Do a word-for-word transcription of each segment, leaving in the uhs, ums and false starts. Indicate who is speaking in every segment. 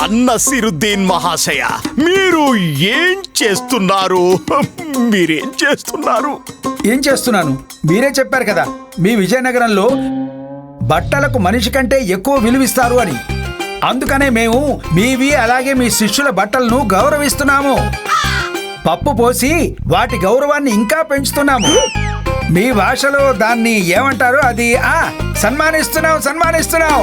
Speaker 1: నసీరుద్దీన్ మహాశయ, మీరు ఏం చేస్తున్నారు? మీరేం చేస్తున్నారు?
Speaker 2: ఏం చేస్తున్నాను? మీరే చెప్పారు కదా మీ విజయనగరంలో బట్టలకు మనిషి కంటే ఎక్కువ విలువిస్తారు అని. అందుకనే మేము మీవి అలాగే మీ శిష్యుల బట్టలను గౌరవిస్తున్నాము. పప్పు పోసి వాటి గౌరవాన్ని ఇంకా పెంచుతున్నాము. మీ భాషలో దాన్ని ఏమంటారు? అది ఆ సన్మానిస్తున్నాం సన్మానిస్తున్నాం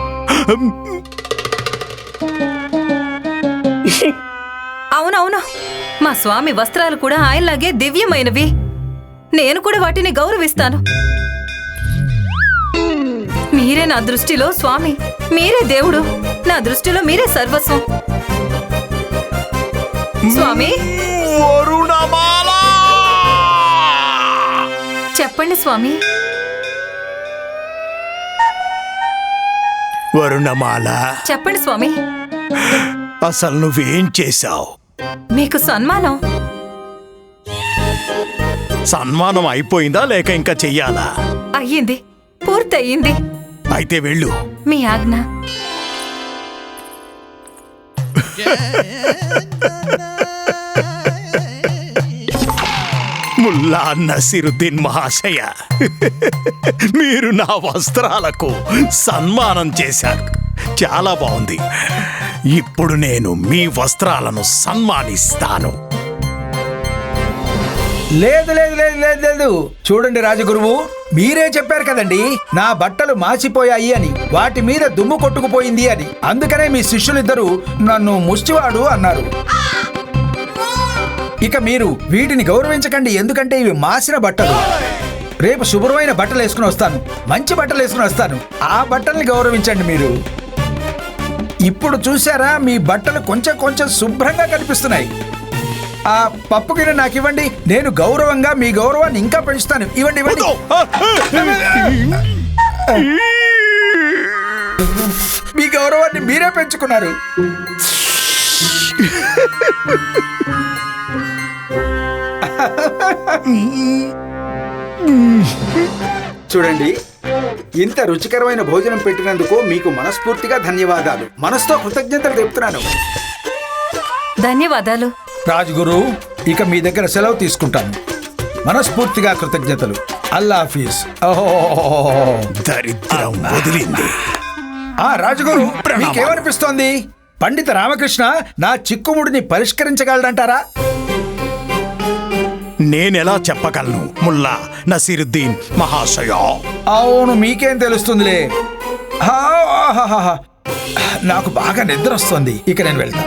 Speaker 3: అవునవును, మా స్వామి వస్త్రాలు కూడా ఆయనలాగే దివ్యమైనవి. నేను కూడా వాటిని గౌరవిస్తాను. మీరే నా దృష్టిలో స్వామి, మీరే దేవుడు, నా దృష్టిలో మీరే సర్వస్వం. స్వామి,
Speaker 1: వరుణమాల,
Speaker 3: చెప్పండి స్వామి.
Speaker 1: వరుణమాల,
Speaker 3: చెప్పండి స్వామి.
Speaker 1: అసలు నువ్వేం చేశావు?
Speaker 3: మీకు సన్మానం.
Speaker 1: సన్మానం అయిపోయిందా లేక ఇంకా చెయ్యాలా?
Speaker 3: అయ్యింది, పూర్తయింది.
Speaker 1: అయితే వెళ్ళు.
Speaker 3: మీ ఆజ్ఞ.
Speaker 1: ముల్లా నసీరుద్దీన్ మహాశయ, మీరు నా వస్త్రాలకు సన్మానం చేశారు. చాలా బాగుంది. ఇప్పుడు నేను మీ వస్త్రాలను సన్మానిస్తాను.
Speaker 2: లేదు లేదు లేదు లేదు లేదు చూడండి రాజగురువు, మీరే చెప్పారు కదండి నా బట్టలు మాసిపోయాయి అని, వాటి మీద దుమ్ము కొట్టుకుపోయింది అని. అందుకనే మీ శిష్యులిద్దరూ నన్ను ముష్టివాడు అన్నారు. ఇక మీరు వీటిని గౌరవించకండి, ఎందుకంటే ఇవి మాసిన బట్టలు. రేపు శుభ్రమైన బట్టలు వేసుకుని వస్తాను, మంచి బట్టలు వేసుకుని వస్తాను. ఆ బట్టల్ని గౌరవించండి మీరు. ఇప్పుడు చూసారా, మీ బట్టలు కొంచెం కొంచెం శుభ్రంగా కనిపిస్తున్నాయి. ఆ పప్పు గిన్నె నాకు ఇవ్వండి, నేను గౌరవంగా మీ గౌరవాన్ని ఇంకా పెంచుతాను. ఇవ్వండి ఇవ్వండి. మీ గౌరవాన్ని మీరే పెంచుకున్నారు. చూడండి, ఇంత రుచికరమైన భోజనం పెట్టినందుకు మీకు మనస్ఫూర్తిగా ధన్యవాదాలు. మనసుతో కృతజ్ఞతలు చెప్తున్నాను.
Speaker 3: ధన్యవాదాలు
Speaker 2: రాజుగురు. ఇక మీ దగ్గర సెలవు తీసుకుంటాను. మనస్ఫూర్తిగా కృతజ్ఞతలు. అల్లా హఫీజ్.
Speaker 1: దరిద్రం వదిలింది.
Speaker 2: ఆ రాజుగురు, మీకేమనిపిస్తోంది? పండిత రామకృష్ణ నా చిక్కుముడిని పరిష్కరించగలడంటారా?
Speaker 1: నేనెలా చెప్పగలను ముల్లా నసీరుద్దీన్ మహాశయ?
Speaker 2: అవును, మీకేం తెలుస్తుందిలే. నాకు బాగా నిద్ర వస్తుంది. ఇక నేను వెళ్తాను.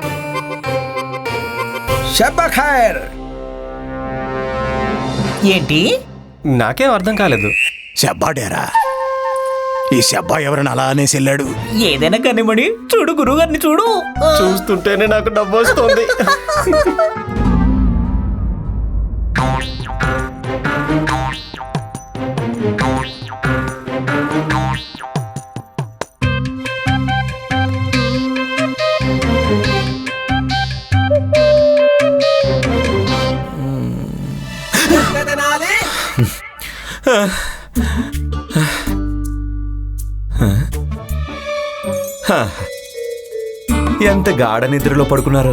Speaker 2: షబ్బా ఖైర్.
Speaker 4: ఏంటి?
Speaker 5: నాకేం అర్థం కాలేదు.
Speaker 1: శబ్బాడేరా? ఈ శబ్బా ఎవరైనా అలా అనేసి వెళ్ళాడు?
Speaker 4: ఏదైనా కనిమడి చూడు, గురువుగారిని చూడు.
Speaker 5: చూస్తుంటేనే నాకు డబ్బు వస్తుంది.
Speaker 6: ఎంత గాఢ నిద్రలో పడుకున్నారో.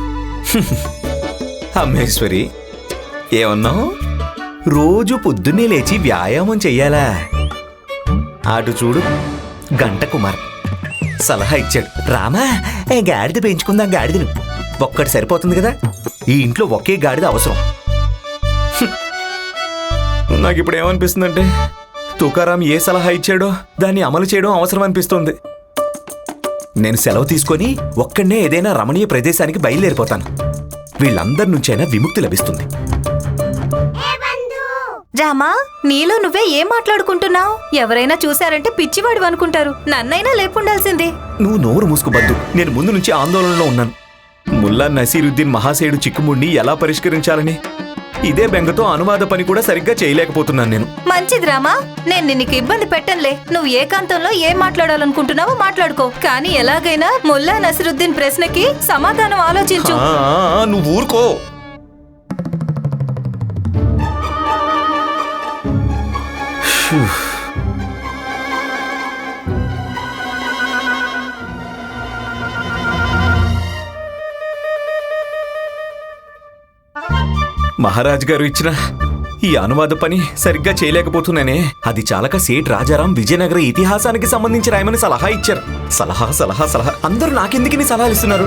Speaker 6: అమ్మేశ్వరి, ఏమన్నావు? రోజు పొద్దున్నే లేచి వ్యాయామం చెయ్యాలా? అటు చూడు, గంట కుమార్ సలహా ఇచ్చాడు. రామా, గాడిద పెంచుకుందాం. గాడిదను ఒక్కటి సరిపోతుంది కదా. ఈ ఇంట్లో ఒకే గాడిద అవసరం. నాకు ఇప్పుడు ఏమనిపిస్తుందంటే, తుకారాం ఏ సలహా ఇచ్చాడో దాన్ని అమలు చేయడం అవసరం అనిపిస్తుంది. నేను సెలవు తీసుకొని ఒక్కడనే ఏదైనా రమణీయ ప్రదేశానికి బయలుదేరిపోతాను. వీళ్ళందరి నుంచైనా విముక్తి లభిస్తుంది.
Speaker 3: రామా, నీలో నువ్వే ఏం మాట్లాడుకుంటున్నావు? ఎవరైనా చూశారంటే పిచ్చివాడు అనుకుంటారు. నన్నైనా లేపుండాల్సిందే.
Speaker 6: నువ్వు నోరు మూసుకుబద్దు. నేను ముందు నుంచి ఆందోళనలో ఉన్నాను. ముల్లా నసీరుద్దీన్ మహాశయుడు చిక్కుముడిని ఎలా పరిష్కరించాలని ఇదే బెంగతో అనువాద పని కూడా సరిగ్గా చేయలేకపోతున్నాను నేను.
Speaker 3: మంచిది రామా, నేను నీకు ఇబ్బంది పెట్టనులే. నువ్వు ఏకాంతంలో ఏం మాట్లాడాలనుకుంటున్నావో మాట్లాడుకో. కానీ ఎలాగైనా ముల్లా నసీరుద్దీన్ ప్రశ్నకి సమాధానం ఆలోచించు.
Speaker 6: నువ్వు ఊరుకో. మహారాజ్ గారు ఇచ్చిన ఈ అనువాద పని సరిగ్గా చేయలేకపోతున్నానే. అది చాలక సేట్ రాజారాం విజయనగర ఇతిహాసానికి సంబంధించి రాయమని సలహా ఇచ్చారు. సలహా సలహా సలహా అందరూ నాకెందుకు సలహాలు ఇస్తున్నారు?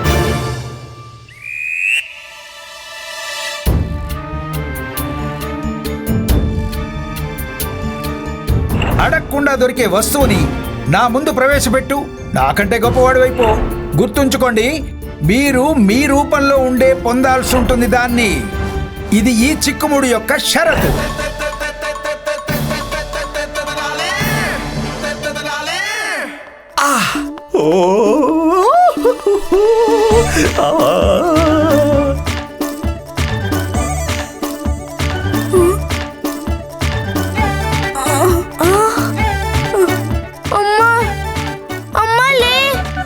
Speaker 2: అడగకుండా దొరికే వస్తువుని నా ముందు ప్రవేశపెట్టు, నాకంటే గొప్పవాడు అయిపో. గుర్తుంచుకోండి, మీరు మీ రూపంలో ఉండే పొందాల్సి ఉంటుంది దాన్ని. ఇది ఈ చిక్కుముడి యొక్క షరతు.
Speaker 6: ఓ
Speaker 7: అమ్మా అమ్మా లే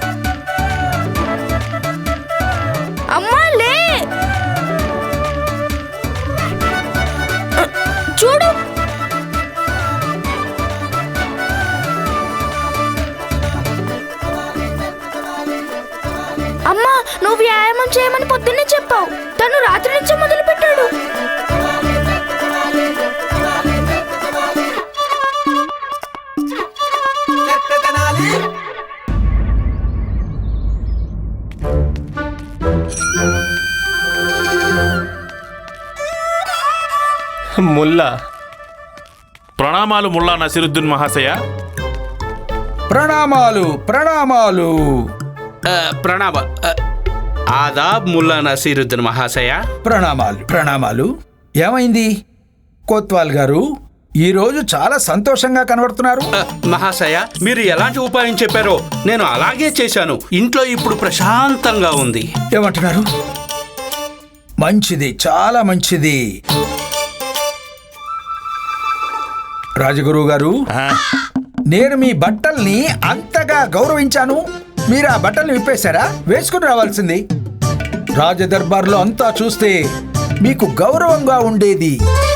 Speaker 7: అమ్మా లే చూడు అమ్మా నువ్వు వ్యాయామం చేయమని పొద్దున్నే చెప్పావు, తను రాత్రి నుంచే మొదలు పెట్టాడు.
Speaker 5: ముల్లా
Speaker 8: ప్రణామాలు ముల్లా నసీరుద్దీన్ మహాశయ.
Speaker 2: ప్రణామాలు ప్రణామాలు.
Speaker 9: ప్రణామ ఆదాబ్ ముల్లా నసీరుద్దీన్ మహాశయ.
Speaker 2: ప్రణామాలు ప్రణామాలు. ఏమైంది కోత్వాల్ గారు, ఈ రోజు చాలా సంతోషంగా కనబడుతున్నారు?
Speaker 9: అ, మహాశయ మీరు ఎలాంటి ఉపాయం చెప్పారో నేను అలాగే చేశాను. ఇంట్లో ఇప్పుడు ప్రశాంతంగా ఉంది.
Speaker 2: ఏమంటున్నారు? మంచిది, చాలా మంచిది. రాజగురువు గారు, నేను మీ బట్టల్ని అంతగా గౌరవించాను, మీరు ఆ బట్టల్ని విప్పేశారా? వేసుకుని రావాల్సింది. రాజదర్బార్లో అంతా చూస్తే మీకు గౌరవంగా ఉండేది.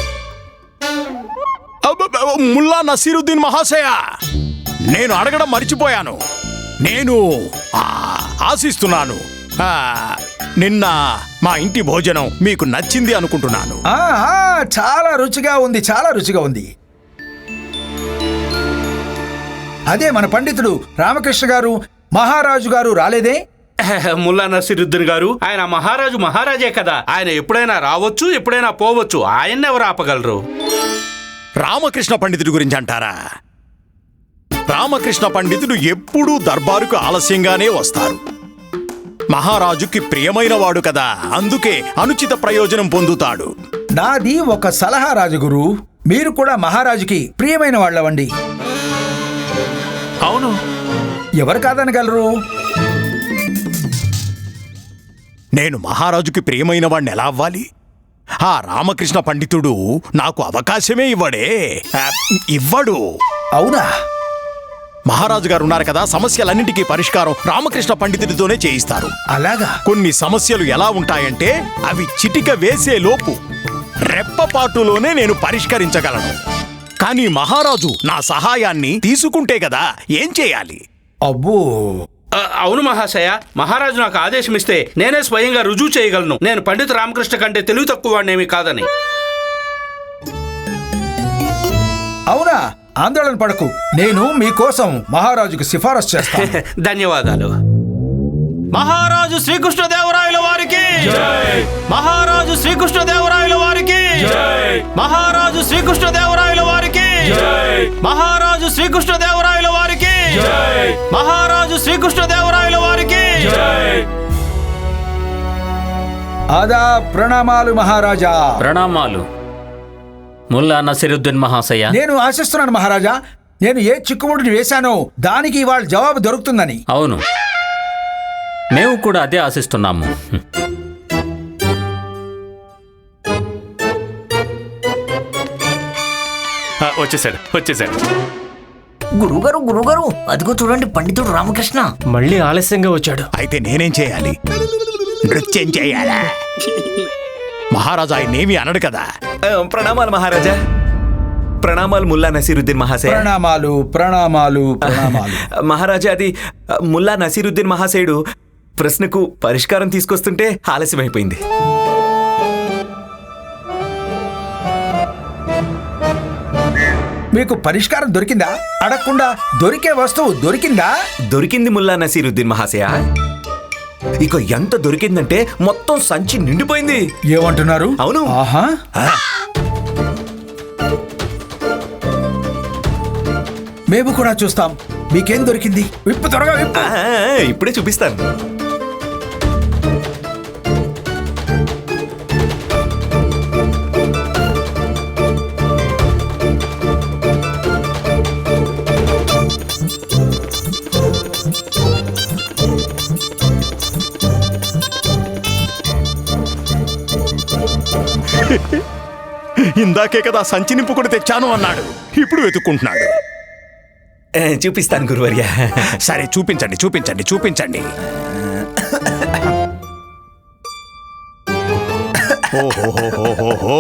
Speaker 1: ముల్లా నసీరుద్దీన్ మహాశయ, నేను అడగడం మర్చిపోయాను. నేను ఆ, ఆశిస్తున్నాను ఆ, నిన్న మా ఇంటి భోజనం మీకు నచ్చింది అనుకుంటున్నాను.
Speaker 2: ఆ, ఆ, చాలా రుచిగా ఉంది, చాలా రుచిగా ఉంది. అదే మన పండితుడు రామకృష్ణ గారు మహారాజు గారు రాలేదే?
Speaker 9: ముల్లా నసీరుద్దీన్ గారు ఆయన మహారాజు మహారాజే కదా, ఆయన ఎప్పుడైనా రావచ్చు ఎప్పుడైనా పోవచ్చు, ఆయన్ని ఎవరు ఆపగలరు?
Speaker 1: రామకృష్ణ పండితుడి గురించి అంటారా? రామకృష్ణ పండితుడు ఎప్పుడూ దర్బారుకు ఆలస్యంగానే వస్తారు. మహారాజుకి ప్రియమైన వాడు కదా, అందుకే అనుచిత ప్రయోజనం పొందుతాడు.
Speaker 2: నాది ఒక సలహా రాజగురు, మీరు కూడా మహారాజుకి ప్రియమైన వాళ్ళవండి.
Speaker 8: అవును,
Speaker 2: ఎవరు కాదనగలరు?
Speaker 1: నేను మహారాజుకి ప్రియమైన వాడిని ఎలా అవ్వాలి? ఆ రామకృష్ణ పండితుడు నాకు అవకాశమే ఇవ్వడే. ఆ, ఇవ్వడు.
Speaker 2: అవునా?
Speaker 1: మహారాజు గారు ఉన్నారు కదా, సమస్యలన్నింటికీ పరిష్కారం రామకృష్ణ పండితుడితోనే చేయిస్తారు.
Speaker 2: అలాగా?
Speaker 1: కొన్ని సమస్యలు ఎలా ఉంటాయంటే అవి చిటిక వేసే లోపు రెప్పపాటులోనే నేను పరిష్కరించగలను. కానీ మహారాజు నా సహాయాన్ని తీసుకుంటే కదా ఏం చేయాలి?
Speaker 2: అబ్బో,
Speaker 9: అ, అవును మహాశయ, మహారాజు నాకు ఆదేశం ఇస్తే నేనే స్వయంగా రుజువు చేయగలను. నేను పండిత రామకృష్ణ కంటే తెలివి తక్కువ వాడినేమి కాదని.
Speaker 2: అవునా? ఆందోళన పడకు, నేను మీకోసం మహారాజుకు సిఫారసు చేస్తాను.
Speaker 9: ధన్యవాదాలు.
Speaker 5: మహారాజు శ్రీకృష్ణదేవరాయల వారికి, మహారాజు శ్రీకృష్ణదేవరాయల వారికి, మహారాజు శ్రీకృష్ణదేవరాయల వారికి, మహారాజు శ్రీకృష్ణదేవరాయల వారికి, మహారాజు శ్రీకృష్ణదేవరాయల వారికి.
Speaker 2: ఆదా ప్రణామాలు మహారాజా.
Speaker 10: ప్రణామాలు ముల్లా నసీరుద్దీన్ మహాశయ.
Speaker 2: నేను ఆశిస్తున్నాను మహారాజా, నేను ఏ చిక్కుముడిని వేశానో దానికి ఇవాళ జవాబు దొరుకుతుందని.
Speaker 10: అవును, మేము కూడా అదే ఆశిస్తున్నాము.
Speaker 8: ఆ, వచ్చేసాడు వచ్చేసాడు.
Speaker 4: గురుగారు గురుగారు అదిగో చూడండి పండితుడు రామకృష్ణ.
Speaker 5: మళ్ళీ ఆలస్యంగా వచ్చాడు.
Speaker 1: అయితే నేనేం చేయాలి? నృత్యం చేయాలా? మహారాజా ఆయన్నేమీ అనడు కదా.
Speaker 6: ఆ, ప్రణామాలు మహారాజా. ప్రణామాలు ముల్లా నసీరుద్దీన్ మహాశయ.
Speaker 2: ప్రణామాలు ప్రణామాలు ప్రణామాలు.
Speaker 6: మహారాజా, అది ఆ, ముల్లా నసీరుద్దీన్ మహాశయుడు ప్రశ్నకు పరిష్కారం తీసుకొస్తుంటే ఆలస్యమైపోయింది.
Speaker 2: మీకు పరిష్కారం దొరికిందా? అడగకుండా దొరికే వస్తువు దొరికిందా?
Speaker 6: దొరికింది ముల్లా నసీరుద్దీన్ మహాశయ. ఇక ఎంత దొరికిందంటే మొత్తం సంచి నిండిపోయింది.
Speaker 2: ఏమంటున్నారు?
Speaker 6: అవును.
Speaker 2: ఆహా. మేము కూడా చూస్తాం. మీకేం దొరికింది? విప్పు, త్వరగా విప్పు.
Speaker 6: ఆ, ఇప్పుడే చూపిస్తాను.
Speaker 1: ఇందాకే కదా సంచి నింపుకొని తెచ్చాను అన్నాడు. ఇప్పుడు వెతుక్కుంటున్నాడు.
Speaker 6: ఆ, చూపిస్తాను గురువర్య.
Speaker 1: సరే చూపించండి చూపించండి చూపించండి. ఓహోహోహోహో.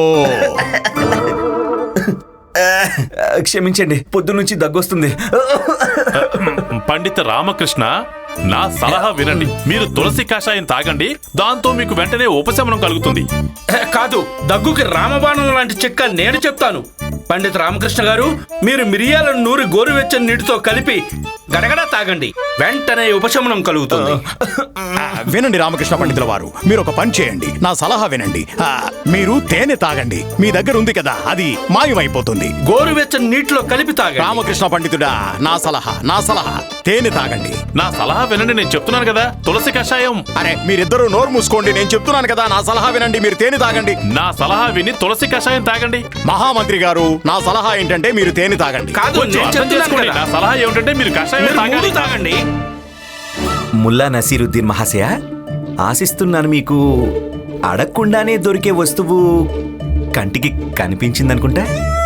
Speaker 6: క్షమించండి, పొద్దు నుంచి దగ్గొస్తుంది.
Speaker 8: పండిత రామకృష్ణ, నా సలహా వినండి. మీరు తులసి కషాయం తాగండి, దాంతో మీకు వెంటనే ఉపశమనం కలుగుతుంది.
Speaker 9: కాదు, దగ్గుకి రామబాణం లాంటి చిట్కా నేను చెప్తాను. పండిత రామకృష్ణ గారు, మీరు మిరియాలను నూరి గోరువెచ్చని నీటితో కలిపి గడగడ తాగండి, వెంటనే ఉపశమనం కలుగుతుంది.
Speaker 1: ఆ, వినండి రామకృష్ణ పండితుల వారు, మీరు ఒక పని చేయండి, నా సలహా వినండి. ఆ, మీరు తేనె తాగండి. మీ దగ్గర ఉంది కదా, అది మాయమైపోతుంది.
Speaker 9: గోరువెచ్చని నీటిలో కలిపి తాగండి.
Speaker 1: రామకృష్ణ పండితుడా, నా సలహా నా సలహా తేనె తాగండి.
Speaker 8: నా సలహా వినండి, నేను చెప్తున్నాను కదా, తులసి కషాయం.
Speaker 1: అరే మీరిద్దరూ నోరు మూసుకోండి, నేను చెప్తున్నాను కదా, నా సలహా వినండి. మీరు తేనె తాగండి.
Speaker 8: నా సలహా విని తులసి కషాయం తాగండి.
Speaker 1: మహామంత్రి గారు, నా సలహా ఏంటంటే మీరు తేనె తాగండి.
Speaker 9: కాదు,
Speaker 8: కొంచెం
Speaker 9: నేను
Speaker 8: అర్థం
Speaker 9: చెప్తున్నాను
Speaker 8: చేసుకోండి.
Speaker 9: కదా.
Speaker 8: నా సలహా ఏమిటంటే మీరు కషాయం
Speaker 9: మీరు
Speaker 8: తాగాలి.
Speaker 9: ముందు తాగండి.
Speaker 6: ముల్లా నసీరుద్దీన్ మహాశయ, ఆశిస్తున్నాను మీకు అడగకుండానే దొరికే వస్తువు కంటికి కనిపించిందనుకుంటా.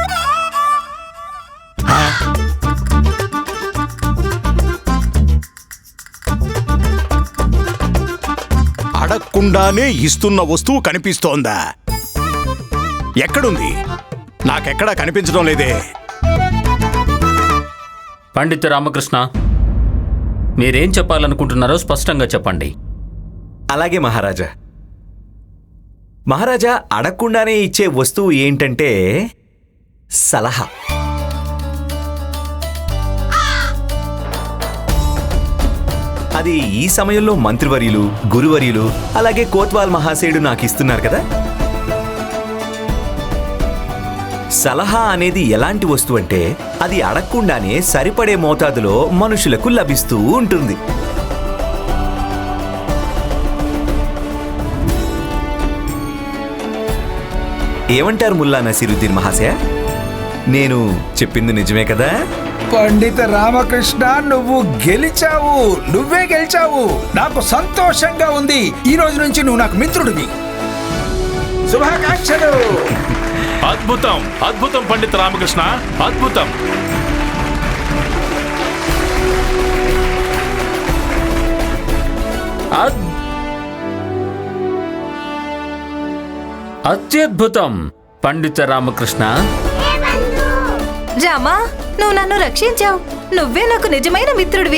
Speaker 1: అడగకుండానే ఇస్తున్న వస్తువు కనిపిస్తోందా? ఎక్కడుంది? నాకెక్కడా కనిపించడం లేదే.
Speaker 10: పండిత రామకృష్ణ, మీరేం చెప్పాలనుకుంటున్నారో స్పష్టంగా చెప్పండి.
Speaker 6: అలాగే మహారాజా. మహారాజా, అడగకుండానే ఇచ్చే వస్తువు ఏంటంటే సలహా. అది ఈ సమయంలో మంత్రివర్యులు, గురువర్యులు, అలాగే కోత్వాల్ మహాశయుడు నాకు ఇస్తున్నారు కదా. సలహా అనేది ఎలాంటి వస్తువు అంటే అది అడగకుండానే సరిపడే మోతాదులో మనుషులకు లభిస్తూ ఉంటుంది. ఏమంటారు ముల్లా నసీరుద్దీన్ మహాశయ? నేను చెప్పింది నిజమే కదా?
Speaker 2: పండిత రామకృష్ణ, నువ్వు గెలిచావు. నువ్వే గెలిచావు. నాకు సంతోషంగా ఉంది. ఈ రోజు నుంచి నువ్వు నాకు మిత్రుడివి. శుభాకాంక్షలు.
Speaker 8: అద్భుతం, అద్భుతం పండిత రామకృష్ణ, అద్భుతం.
Speaker 10: అద్- అత్యద్భుతం పండిత రామకృష్ణ.
Speaker 3: రామా, నువ్వు నన్ను రక్షించావు. నువ్వే నాకు నిజమైన మిత్రుడివి.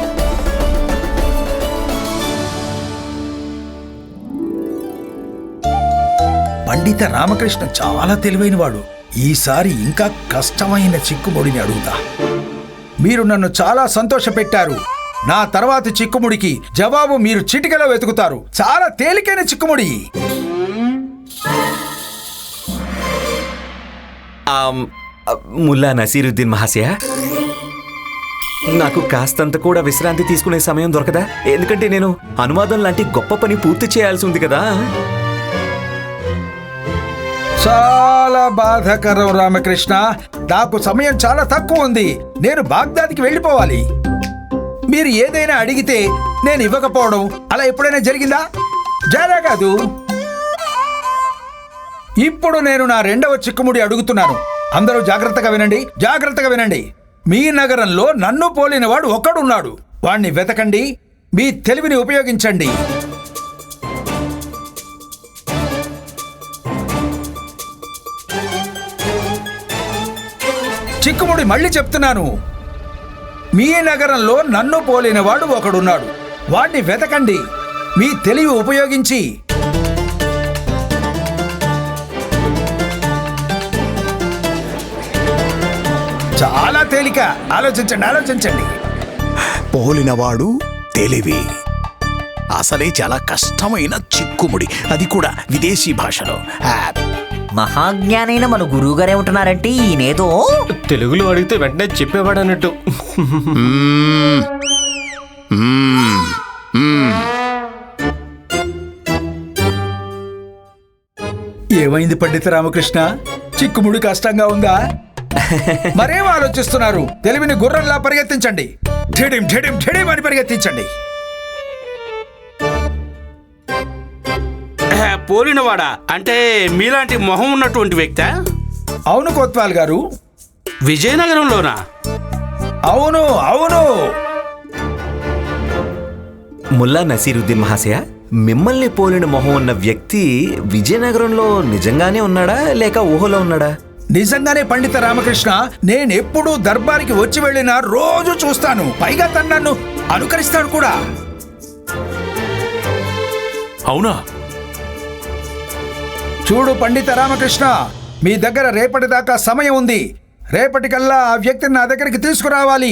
Speaker 2: పండిత రామకృష్ణ చాలా తెలివైనవాడు. ఈసారి ఇంకా కష్టమైన చిక్కుముడిని అడుగుతా. మీరు నన్ను చాలా సంతోషపెట్టారు. నా తర్వాతి చిక్కుముడికి జవాబు మీరు చిటికలో వెతుకుతారు. చాలా తేలికైన చిక్కుముడి.
Speaker 6: ఆమ్, ముల్లా నసీరుద్దీన్ మహాశయ, నాకు కాస్తంత కూడా విశ్రాంతి తీసుకునే సమయం దొరకదా? ఎందుకంటే నేను అనువాదం లాంటి గొప్ప పని పూర్తి చేయాల్సి ఉంది కదా.
Speaker 2: చాలా బాధాకరం రామకృష్ణ. నాకు సమయం చాలా తక్కువ ఉంది. నేను బాగ్దాద్కి వెళ్ళిపోవాలి. మీరు ఏదైనా అడిగితే నేను ఇవ్వకపోవడం అలా ఎప్పుడైనా జరిగిందా? జరగదు. ఇప్పుడు నేను నా రెండవ చిక్కుముడి అడుగుతున్నాను. అందరూ జాగ్రత్తగా వినండి, జాగ్రత్తగా వినండి. మీ నగరంలో నన్ను పోలినవాడు ఒక్కడున్నాడు. వాణ్ణి వెతకండి. మీ తెలివిని ఉపయోగించండి. చిక్కుముడి మళ్ళీ చెప్తున్నాను. మీ నగరంలో నన్ను పోలినవాడు ఒకడున్నాడు. వాణ్ణి వెతకండి. మీ తెలివి ఉపయోగించి. చాలా తేలిక. ఆలోచించండి ఆలోచించండి.
Speaker 1: పోలినవాడు తెలివి. అసలే చాలా కష్టమైన చిక్కుముడి, అది కూడా విదేశీ భాషలో. ఆ,
Speaker 4: మహాజ్ఞానైన మన గురువు గారు ఏమంటున్నారంటే ఈయనేదో
Speaker 5: తెలుగులో అడిగితే వెంటనే చెప్పేవాడు అన్నట్టు.
Speaker 1: మ్మ్. మ్మ్. మ్మ్.
Speaker 2: ఏమైంది పండిత రామకృష్ణ? చిక్కుముడి కష్టంగా ఉందా? మరేం ఆలోచిస్తున్నారు? తెలివిని గుర్రంలా పరిగెత్తించండి. ఠిడిం ఠిడిం ఠిడిం అని పరిగెత్తించండి.
Speaker 9: పోలినవాడా అంటే మీలాంటి మొహం ఉన్నటువంటి వ్యక్తా?
Speaker 2: అవును కోత్వాల్ గారు.
Speaker 9: విజయనగరంలోనా?
Speaker 2: అవును అవును.
Speaker 6: ముల్లా నసీరుద్దీన్ మహాశయ, మిమ్మల్ని పోలిన మొహం ఉన్న వ్యక్తి విజయనగరంలో నిజంగానే ఉన్నాడా లేక ఊహలో ఉన్నాడా?
Speaker 2: నిజంగానే పండిత రామకృష్ణ. నేనెప్పుడు దర్బారికి వచ్చి వెళ్ళినా రోజు చూస్తాను. పైగా తను నన్ను అనుకరిస్తాడు కూడా.
Speaker 8: అవునా?
Speaker 2: చూడు పండిత రామకృష్ణ, మీ దగ్గర రేపటి దాకా సమయం ఉంది. రేపటికల్లా ఆ వ్యక్తిని నా దగ్గరికి తీసుకురావాలి.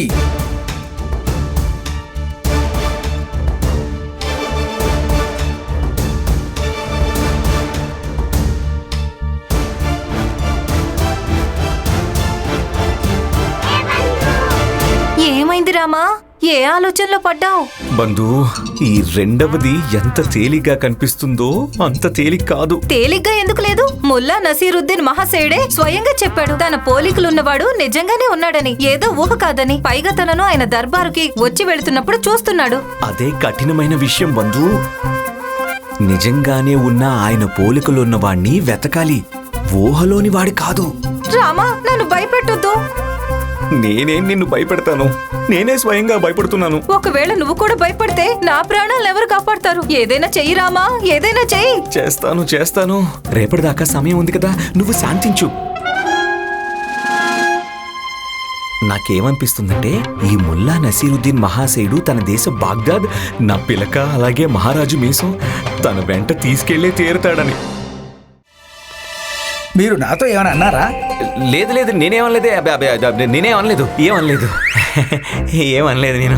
Speaker 3: ఏమైంది రామా? ఏ ఆలోచనలో పడ్డావు?
Speaker 6: బంధు, ఈ రెండవది ఎంత తేలిగ్గా కనిపిస్తుందో అంత తేలిక కాదు.
Speaker 3: తేలిగ్గా ఎందుకు లేదు? ముల్లా నసీరుద్దీన్ మహాశయుడే స్వయంగా చెప్పాడు తన పోలికలున్నవాడు నిజంగానే ఉన్నాడని, ఏదో ఊహ కాదని. పైగా తనను ఆయన దర్బారుకి వచ్చి వెళుతున్నప్పుడు చూస్తున్నాడు.
Speaker 6: అదే కఠినమైన విషయం బంధు. నిజంగానే ఉన్న ఆయన పోలికలున్న వాణ్ణి వెతకాలి, ఊహలోని వాడి కాదు.
Speaker 3: రామా, నన్ను భయపెట్టొద్దు.
Speaker 6: నేనేం నిన్ను భయపెడతాను? నేనే స్వయంగా భయపడుతున్నాను.
Speaker 3: ఒకవేళ నువ్వు కూడా భయపడితే నా ప్రాణాలు ఎవరు కాపాడతారు? ఏదైనా చెయ్యి రామా, ఏదైనా చెయ్యి.
Speaker 6: చేస్తాను చేస్తాను రేపటిదాకా సమయం ఉంది కదా, నువ్వు శాంతించు. నాకేమనిపిస్తుందంటే ఈ ముల్లా నసీరుద్దీన్ మహాశయుడు తన దేశ బాగ్దాద్, నా పిలక అలాగే మహారాజు మీసం తన వెంట తీసుకెళ్లే తీరుతాడని.
Speaker 2: మీరు నాతో ఏమైనా అన్నారా?
Speaker 6: లేదు లేదు, నేనేమనలేదే. అబ్బే అబ్బే అబ్బే, నేనేమనలేదు, ఏమనలేదు ఏమనలేదు నేను.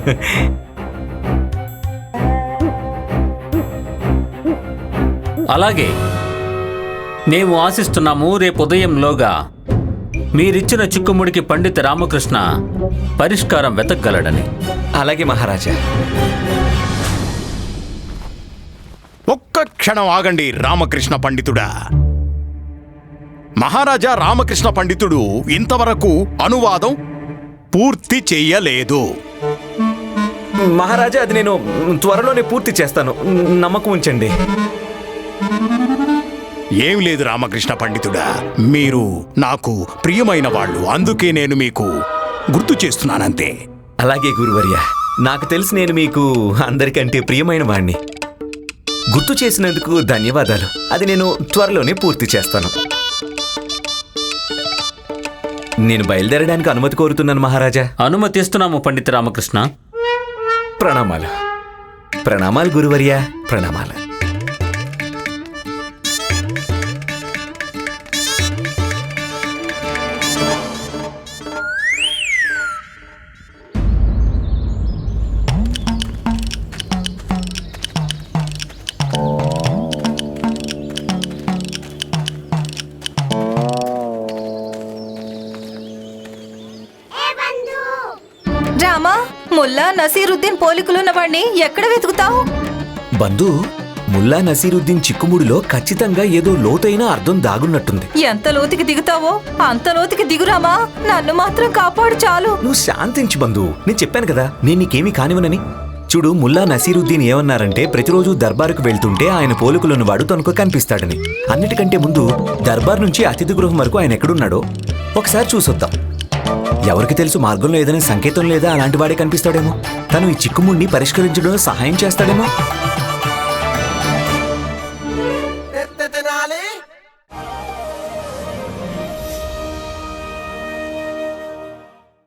Speaker 10: అలాగే మేము ఆశిస్తున్నాము రేపు ఉదయంలోగా మీరిచ్చిన చిక్కుముడికి పండిత రామకృష్ణ పరిష్కారం వెతకగలడని.
Speaker 6: అలాగే మహారాజా.
Speaker 1: ఒక్క క్షణం ఆగండి రామకృష్ణ పండితుడా. మహారాజా రామకృష్ణ పండితుడు ఇంతవరకు అనువాదం పూర్తి చెయ్యలేదు.
Speaker 6: మహారాజా, అది నేను త్వరలోనే పూర్తి చేస్తాను, నమ్మకం ఉంచండి.
Speaker 1: ఏం లేదు రామకృష్ణ పండితుడా, మీరు నాకు ప్రియమైన వాళ్ళు, అందుకే నేను మీకు గుర్తు చేస్తున్నానంతే.
Speaker 6: అలాగే గురువర్య, నాకు తెలిసి నేను మీకు అందరికంటే ప్రియమైన వాణ్ణి. గుర్తు చేసినందుకు ధన్యవాదాలు. అది నేను త్వరలోనే పూర్తి చేస్తాను. నేను బయలుదేరడానికి అనుమతి కోరుతున్నాను మహారాజా.
Speaker 10: అనుమతిస్తున్నాము పండిత రామకృష్ణ.
Speaker 6: ప్రణామాలు. ప్రణామాలు గురువర్య, ప్రణామాలు.
Speaker 3: రామా, ముల్లా నసీరుద్దీన్ పోలికలున్న వాడిని ఎక్కడ వెతుకుతావు?
Speaker 6: బంధు, ముల్లా నసీరుద్దీన్ చిక్కుముడిలో ఖచ్చితంగా ఏదో లోతైన అర్థం దాగున్నట్టుంది.
Speaker 3: ఎంత లోతుకి దిగుతావో అంత లోతుకి దిగురామా. నన్ను మాత్రం కాపాడు చాలు.
Speaker 6: నువ్వు శాంతించు బంధు, నేను చెప్పాను కదా నేను నీకేమీ కానివనని. చూడు, ముల్లా నసీరుద్దీన్ ఏమన్నారంటే ప్రతిరోజు దర్బారుకు వెళ్తుంటే ఆయన పోలికలున్నవాడు తనకు కనిపిస్తాడని. అన్నిటికంటే ముందు దర్బార్ నుంచి అతిథి గృహం వరకు ఆయన ఎక్కడున్నాడో ఒకసారి చూసొద్దాం. ఎవరికి తెలుసు, మార్గంలో ఏదైనా సంకేతం లేదా అలాంటి వాడే కనిపిస్తాడేమో. తను ఈ చిక్కుముడిని పరిష్కరించడంలో సహాయం చేస్తాడేమో.